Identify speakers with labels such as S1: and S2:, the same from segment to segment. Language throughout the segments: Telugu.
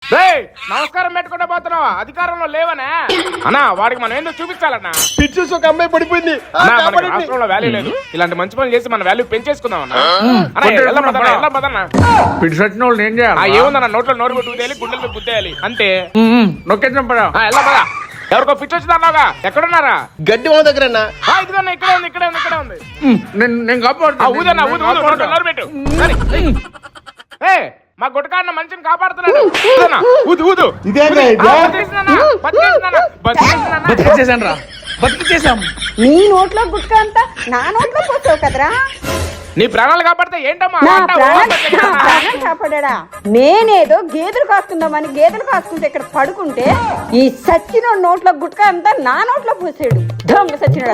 S1: నమస్కారం పెట్టుకుంటా పోతున్నావా? అధికారంలో లేవనే అన్నా, వాడికి మనం ఏందో చూపించాలన్నా.
S2: పిచ్చి చూసి ఒక అమ్మాయి పడిపోయింది.
S1: రాష్ట్రంలో వాల్యూ లేదు. ఇలాంటి మంచి పనులు చేసి మన వాల్యూ పెంచేసుకుందాం అన్నా.
S3: ఏం చేయాలి?
S1: ఏముందన్న, నోట్లో నోరు పెట్టుకుతేయాలి, గుండెలు గుద్దేయాలి అంతే.
S3: నొక్కేద్దాం పదా.
S1: ఎలా పదా. ఎవరికో పిచ్చి వచ్చిందన్నావుగా, ఎక్కడున్నారా?
S2: గడ్డి మా దగ్గర
S1: ఇదిగోన్నా, ఇక్కడే ఉంది, ఇక్కడే ఉంది, ఇక్కడే ఉంది.
S3: నేను కాపాడుతా.
S1: ఊదన్నా, ఊదు నోట్లో నోరు పెట్టు. మా గుట్టకాన్న మంచిని కాపాడుతున్నాడు. ఊదు ఊదు.
S3: బతికిచ్చేసాను రా, బతికిచ్చేసాం.
S4: నీ నోట్లో గుట్క అంతా నా నోట్లో పోసావు కదరా.
S1: నీ ప్రాణాలు కాపాడితే ఏంటమ్మా?
S4: నా ప్రాణం కాపాడా. నేనేదో గేదెలు కాసుకుందామని గేదెలు కాసుకుంటే ఇక్కడ పడుకుంటే ఈ సచ్చిన నోట్లో గుట్క అంతా నా నోట్లో పోసాడు. దొంగ సచ్చినాడు.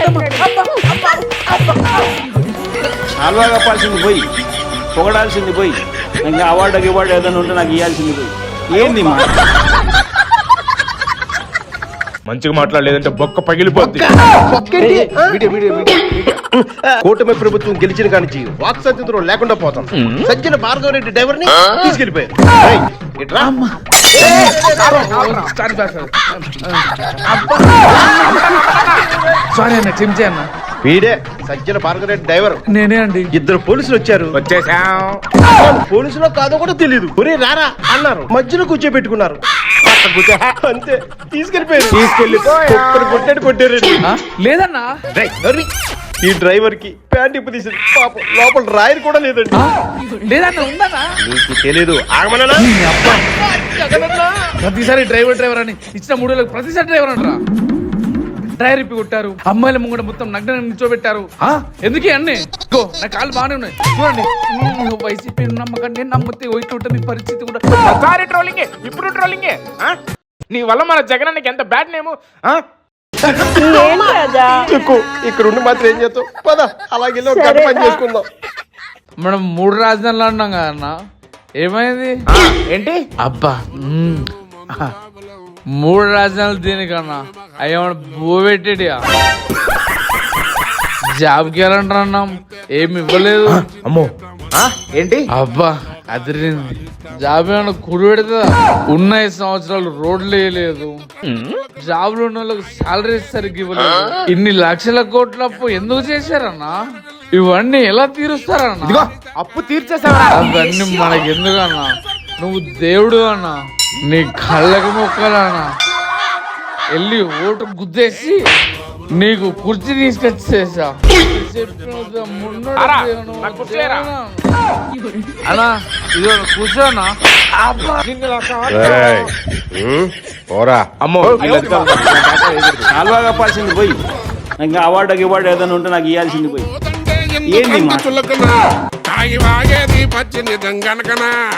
S5: అలవా కప్పాల్సింది పోయి, పొగడాల్సింది పోయి, ఇంకా అవార్డు ఏదైనా ఉంటే నాకు ఇవ్వాల్సింది పోయి. ఏంది మా
S1: మంచిగా మాట్లాడలేదంటే బొక్క పగిలిపోద్ది.
S2: కూటమి ప్రభుత్వం గెలిచిన కానించి వాక్సత్యంతో లేకుండా పోతాం. సజ్జన భార్గవరెడ్డి డ్రైవర్ ని తీసుకెళ్లిపోయారు.
S3: సారీ అన్న, క్షమించే అన్న.
S2: వీడే సజ్జన భార్గవరెడ్డి డ్రైవర్.
S3: నేనే అండి.
S2: ఇద్దరు పోలీసులు వచ్చారు.
S1: వచ్చేసాం.
S2: పోలీసులో కాదో కూడా తెలియదు. ఒరే రారా అన్నారు, మధ్యలో కూర్చోబెట్టుకున్నారు. అంతే, తీసుకెళ్లిపోయారు. కొట్టారు.
S3: లేదన్నా,
S2: ఈ డ్రైవర్ కి ప్యాంట్ ఇప్పు తీసింది. పాపం లోపల రాయర్ కూడా లేదండి.
S3: లేదన్నా, ఉందన్నా.
S2: నీకు తెలీదు, ఆగమన్నా.
S3: ప్రతిసారి డ్రైవర్ అని ఇచ్చిన 3 వేలకు ప్రతిసారి డ్రైవర్ అంటారా? టైర్ ఇప్పి కొట్టారు, అమ్మాయిల ముంగడ మొత్తం నగ్న నిల్చోబెట్టారు. ఎందుకే అన్నీ? నా కాళ్ళు బాగానే ఉన్నాయి చూడండి. వైసీపీ నమ్మకండి, నమ్మితే ఇట్లా ఉంటుంది పరిస్థితి కూడా.
S1: ఒకసారి ట్రోలింగే, ఇప్పుడు ట్రోలింగే. నీ వల్ల మన జగనానికి ఎంత బ్యాడ్ నేము.
S2: ఇక్కడ ఉండి మాత్రం ఏం చేస్తావు? పద అలాగే పని చేసుకుందాం.
S3: మనం 3 రాజధానులు అన్నాం కదా అన్న, ఏమైంది?
S1: ఏంటి
S3: అబ్బా 3 రాజధానులు దీనికన్నా అయ్యేమన్నా బోబెట్టేడియా? జాబ్కి వెళ్ళంటారు అన్నాం, ఏమి ఇవ్వలేదు.
S1: అమ్మో ఏంటి?
S3: అబ్బా అదిరింది. జాబ్ ఏమన్నా కుడి పెడతా? ఉన్న 5 సంవత్సరాలు రోడ్లు వేయలేదు, జాబ్ లో ఉన్న వాళ్ళకి శాలరీ సరిగ్గా ఇవ్వలేదు. ఇన్ని లక్షల కోట్ల అప్పు ఎందుకు చేశారన్నా? ఇవన్నీ ఎలా తీరుస్తారన్నా?
S1: అప్పు తీర్చేసావా?
S3: అవన్నీ మనకి ఎందుకన్నా? నువ్వు దేవుడు అన్నా, నీ కళ్ళకి మొక్కలన్నా. వెళ్ళి ఓటు గుద్దేసి నీకు కుర్చీ తీసుకొచ్చేసా. అన్నా ఇది కూర్చోనా?
S1: అమ్మో
S5: అలవా కప్పాల్సింది పోయి, ఇంకా అవార్డు ఏదైనా ఉంటే నాకు ఇవ్వాల్సింది పోయి. ఏంది మా